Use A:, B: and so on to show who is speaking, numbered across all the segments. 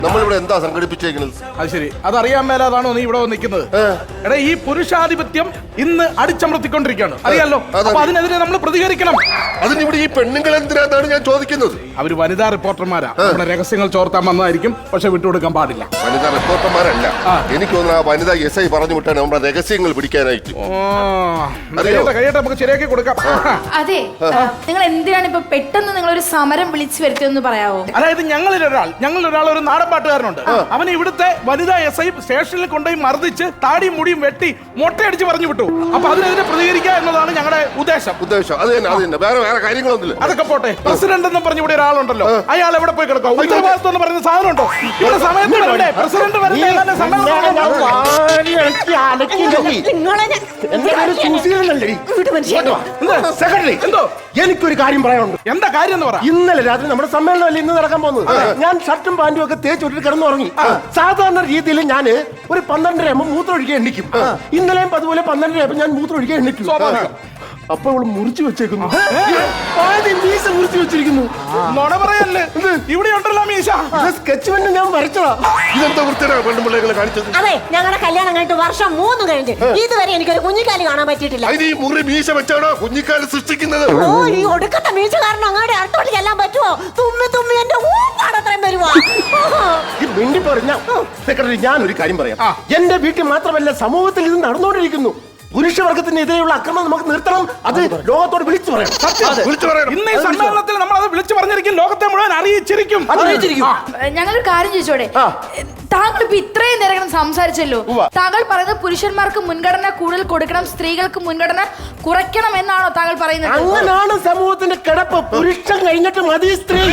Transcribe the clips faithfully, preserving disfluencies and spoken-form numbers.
A: നമ്മളിവിടെ എന്താ സംഘടിപ്പിച്ചേക്കുന്നത്?
B: അത് ശരി, അതറിയാൻ മേലാതാണോ നീ ഇവിടെ നിൽക്കുന്നത്? എടാ, ഈ പുരുഷാധിപത്യം ഇന്ന് അടിച്ചമർത്തിക്കൊണ്ടിരിക്കുകയാണ്, അറിയാലോ. അപ്പൊ അതിനെതിരെ നമ്മൾ പ്രതികരിക്കണം.
A: അതിനിവിടെ ഈ പെണ്ണുങ്ങൾ എന്തിനാന്നാണ് ഞാൻ ചോദിക്കുന്നത്.
B: അവര് വനിതാ റിപ്പോർട്ടർമാരാ, നമ്മുടെ രഹസ്യങ്ങൾ ചോർത്താൻ വന്നതായിരിക്കും, പക്ഷെ വിട്ടുകൊടുക്കാൻ പാടില്ല.
A: വനിതാ റിപ്പോർട്ടർമാരല്ല, എനിക്ക് തോന്നുന്നു ആ വനിതാ എസ് ഐ പറഞ്ഞു വിട്ടാണ് നമ്മുടെ രഹസ്യങ്ങൾ പിടിക്കാനായിട്ട്.
B: കഴിയട്ടെ, നമുക്ക് ശരിയാക്കി കൊടുക്കാം.
C: അതെ, നിങ്ങൾ എന്തിനാണ് ഇപ്പൊ പെട്ടെന്ന് നിങ്ങൾ ഒരു സമരം വിളിച്ചു വരുത്തിയെന്ന് പറയാവോ?
B: അതായത് ഞങ്ങളിൽ ഒരാൾ ഞങ്ങളിൽ ഒരാൾ ഒരു നാടൻ പാട്ടുകാരനുണ്ട്. അവന് ഇവിടുത്തെ വനിതാ എസ് ഐ സ്റ്റേഷനിൽ കൊണ്ടുപോയി മർദ്ദിച്ച് താടിയും മുടിയും വെട്ടി മൊട്ടയടിച്ച് പറഞ്ഞു വിട്ടു. അപ്പൊ അതിനെതിരെ പ്രതികരിക്കുക എന്നതാണ് ഞങ്ങളുടെ ഉദ്ദേശം.
A: ഉദ്ദേശം അത് തന്നെ, അത് തന്നെ. വേറെ വേറെ കാര്യങ്ങളൊന്നുമില്ല.
B: അതൊക്കെ പോട്ടെ. പ്രസിഡന്റ് എന്ന് പറഞ്ഞ ഇവിടെ ഒരാളുണ്ടല്ലോ, അയാൾ എവിടെ പോയി കിടക്കാം? ഉത്തരവാദിത്വം എന്ന് പറയുന്ന സാധനം ഉണ്ടോ ഇവിടെ? സമയത്ത് പ്രസിഡന്റ്
D: എന്തോ എനിക്കൊരു കാര്യം പറയാനുണ്ട്.
B: എന്താ കാര്യം എന്ന് പറ.
D: ഇന്നലെ രാത്രി നമ്മുടെ സമ്മേളനം ഇന്ന് നടക്കാൻ പോകുന്നത്. ഞാൻ ഷർട്ടും പാന്റും ഒക്കെ തേച്ചൊട്ടിട്ട് കിടന്നുറങ്ങി. സാധാരണ രീതിയിൽ ഞാൻ ഒരു പന്ത്രണ്ടര ആകുമ്പോൾ മൂത്രം ഒഴിക്കാൻ എണ്ണിക്കും. ഇന്നലെയും അതുപോലെ പന്ത്രണ്ടര ആകുമ്പോൾ ഞാൻ മൂത്രം ഒഴിക്കാൻ എണ്ണിക്കും. അപ്പൊ അവള് മുറിച്ചു വെച്ചേക്കുന്നു, മീശ മുറിച്ചു വെച്ചിരിക്കുന്നു.
B: നുണ പറയല്ലേ, ഇവിടെ ഉണ്ടല്ലോ മീശ.
D: സ്കെച്ച് പെണ്ണ് ഞാൻ വരച്ചതാ.
A: ഇതെന്താ വൃത്തിയാണ് പെണ്ണുപിള്ളേകളെ കാണിച്ചത്?
E: അതെ, ഞങ്ങളുടെ കല്യാണം കഴിഞ്ഞിട്ട് വർഷം മൂന്ന് കഴിഞ്ഞ് ഇതുവരെ എനിക്കൊരു കുഞ്ഞിക്കാലി കാണാൻ പറ്റിയിട്ടില്ല.
A: ഈ മുറി മീശ വെച്ചാണോ കുഞ്ഞിക്കാല് സൃഷ്ടിക്കുന്നത്?
E: ഓ, ഈ ഒടുക്കത്തെ മീശ കാരണം അങ്ങോട്ട് അടുത്തോട്ട് ചെല്ലാൻ പറ്റുമോ? തുമ്മി തുമ്മി എന്റെ ഊപ്പാടത്രയും വരുവാ.
D: മിണ്ടി പറഞ്ഞ സെക്രട്ടറി, ഞാൻ ഒരു കാര്യം പറയാം. എന്റെ വീട്ടിൽ മാത്രമല്ല, സമൂഹത്തിൽ ഇത് നടന്നുകൊണ്ടിരിക്കുന്നു. പുരുഷവർഗത്തിനെതിരെയുള്ള അക്രമം നമുക്ക് നിർത്തണം. അത് ലോകത്തോട് വിളിച്ചു പറയാം.
A: വിളിച്ചു പറയണം.
B: ഇന്ന് ഈ സമ്മേളനത്തിൽ നമ്മൾ അത് വിളിച്ചു പറഞ്ഞിരിക്കും, ലോകത്തെ മുഴുവൻ അറിയിച്ചിരിക്കും.
C: ഞങ്ങളൊരു കാര്യം ചോദിച്ചോടെ, താങ്കൾ ഇപ്പൊ ഇത്രയും നേരം സംസാരിച്ചല്ലോ. താങ്കൾ പറയുന്നത് പുരുഷന്മാർക്ക് മുൻഗണന കൂടുതൽ കൊടുക്കണം, സ്ത്രീകൾക്ക് മുൻഗണന കുറയ്ക്കണം എന്നാണോ താങ്കൾ പറയുന്നത്?
D: അങ്ങനാണ് സമൂഹത്തിന്റെ കിടപ്പ്. പുരുഷൻ കഴിഞ്ഞിട്ട് മതി സ്ത്രീ.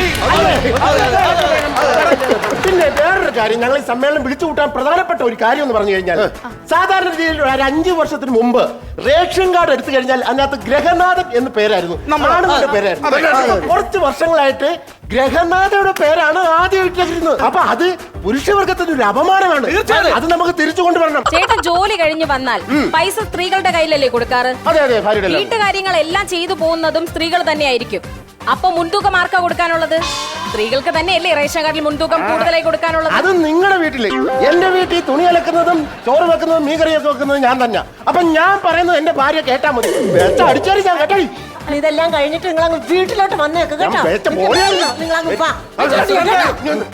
D: പിന്നെ വേറൊരു കാര്യം, ഞങ്ങൾ ഈ സമ്മേളനം വിളിച്ചു കൂട്ടാൻ പ്രധാനപ്പെട്ട ഒരു കാര്യം എന്ന് പറഞ്ഞു കഴിഞ്ഞാൽ, സാധാരണ രീതിയിൽ ഒരു അഞ്ചു വർഷത്തിന് മുമ്പ് റേഷൻ കാർഡ് എടുത്തു കഴിഞ്ഞാൽ അതിനകത്ത് ഗ്രഹനാഥൻ എന്ന് പേരായിരുന്നു, ആണുങ്ങളുടെ പേരായിരുന്നു. കുറച്ച് വർഷങ്ങളായിട്ട് ഗ്രഹനാഥയുടെ പേരാണ് ആദ്യം ഇട്ടിരുന്നത്. അപ്പൊ അത് പുരുഷവർഗത്തിന് ഒരു അപമാനമാണ്. അത് നമുക്ക് തിരിച്ചു കൊണ്ടുവരണം.
F: ചേട്ടൻ ജോലി കഴിഞ്ഞ് വന്നാൽ പൈസ സ്ത്രീകളുടെ കയ്യിലല്ലേ കൊടുക്കാറ്?
D: അതെ അതെ,
F: വീട്ടുകാര്യങ്ങളെല്ലാം ചെയ്തു പോകുന്നതും സ്ത്രീകൾ തന്നെയായിരിക്കും. അപ്പൊ മുൻതൂക്കം ആർക്കാ കൊടുക്കാനുള്ളത്? സ്ത്രീകൾക്ക് തന്നെയല്ലേ റേഷൻ കാർഡിൽ മുൻതൂക്കം കൂടുതലായി കൊടുക്കാനുള്ളത്?
D: അത് നിങ്ങളുടെ വീട്ടില്. എന്റെ വീട്ടിൽ തുണി അലക്കുന്നതും ചോറ് വെക്കുന്നതും മീൻകറിയൊക്കെ വെക്കുന്നതും ഞാൻ തന്നെ. അപ്പൊ ഞാൻ പറയുന്നത് എന്റെ ഭാര്യ കേട്ടാ മതി. അടിച്ചാടി ഞാൻ കേട്ടോ.
E: ഇതെല്ലാം കഴിഞ്ഞിട്ട് നിങ്ങൾ വീട്ടിലോട്ട് വന്നേക്ക് കേട്ടോ.
D: നിങ്ങളങ്ങ്